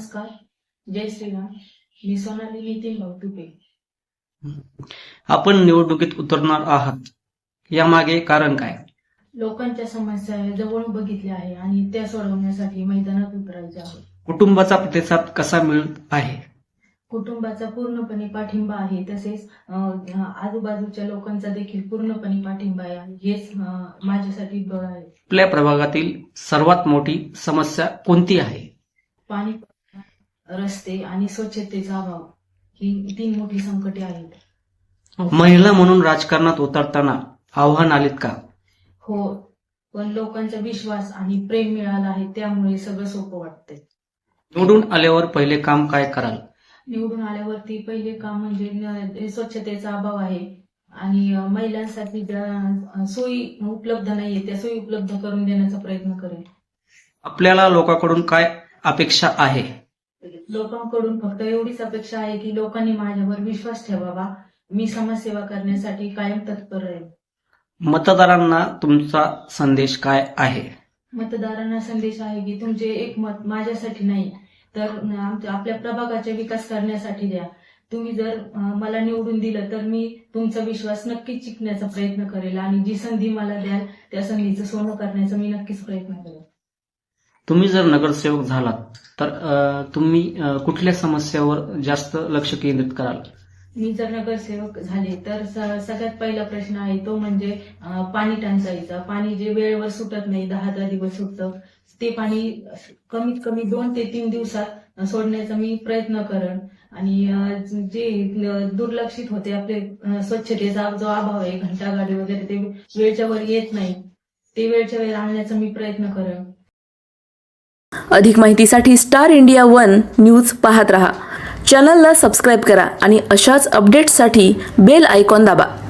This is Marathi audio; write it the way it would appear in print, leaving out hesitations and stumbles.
नमस्कार, जय श्रीराम. मी सोनाली नितीन भाऊतुपे. आपण निवडणुकीत उतरणार आहात, यामागे कारण काय? लोकांच्या समस्या जवळून बघितल्या आहे आणि त्या सोडवण्यासाठी मैदानात उतरायचे आहे. कुटुंबाचा प्रतिसाद कसा मिळत आहे? कुटुंबाचा पूर्णपणे पाठिंबा आहे, तसेच आजूबाजूच्या लोकांचा देखील पूर्णपणे पाठिंबा आहे. हेच माझ्यासाठी बळ आहे. आपल्या प्रभागातील सर्वात मोठी समस्या कोणती आहे? पाणी, रस्ते आणि स्वच्छतेचा अभाव ही 3 मोठी संकटे आहेत. महिला म्हणून राजकारणात उतरताना आव्हान आलीत का? हो, पण लोकांचा विश्वास आणि प्रेम मिळाला आहे, त्यामुळे सगळं सोपं वाटतंय. निवडून आल्यावर पहिले काम काय कराल? निवडून आल्यावरती पहिले काम म्हणजे स्वच्छतेचा अभाव आहे आणि महिलांसाठी ज्या सोयी उपलब्ध नाहीये त्या सोयी उपलब्ध करून देण्याचा प्रयत्न करेल. आपल्याला लोकांकडून काय अपेक्षा आहे? लोकांकडून फक्त एवढीच अपेक्षा आहे की लोकांनी माझ्यावर विश्वास ठेवावा. मी समाजसेवा करण्यासाठी कायम तत्पर आहे. मतदारांना तुमचा संदेश काय आहे? मतदारांना संदेश आहे की तुमचे एक मत माझ्यासाठी नाही तर आपल्या प्रभागाचा विकास करण्यासाठी द्या. तुम्ही जर मला निवडून दिलं तर मी तुमचा विश्वास नक्कीच जिंकण्याचा प्रयत्न करेल आणि जी संधी मला द्याल त्या संधीचं सोनं करण्याचा मी नक्कीच प्रयत्न करेल. तुम्ही जर नगरसेवक झालात तर तुम्ही कुठल्या समस्यावर जास्त लक्ष केंद्रित कराल? मी जर नगरसेवक झाले तर सगळ्यात पहिला प्रश्न आहे तो म्हणजे पाणी टंचाईचा. पाणी जे वेळेवर सुटत नाही, 10 दिवस सुटतं, ते पाणी कमीत कमी 2 ते 3 दिवसात सोडण्याचा मी प्रयत्न करेन. आणि जे दुर्लक्षित होते आपले स्वच्छतेचा जो अभाव आहे, घंटागाडी वगैरे ते वेळच्या वर येत नाही, ते वेळच्या वेळ आणण्याचा मी प्रयत्न करेन. अधिक माहितीसाठी स्टार इंडिया 1 न्यूज पाहत रहा. चॅनलला सबस्क्राईब करा आणि अशाच अपडेट्ससाठी बेल आयकॉन दाबा.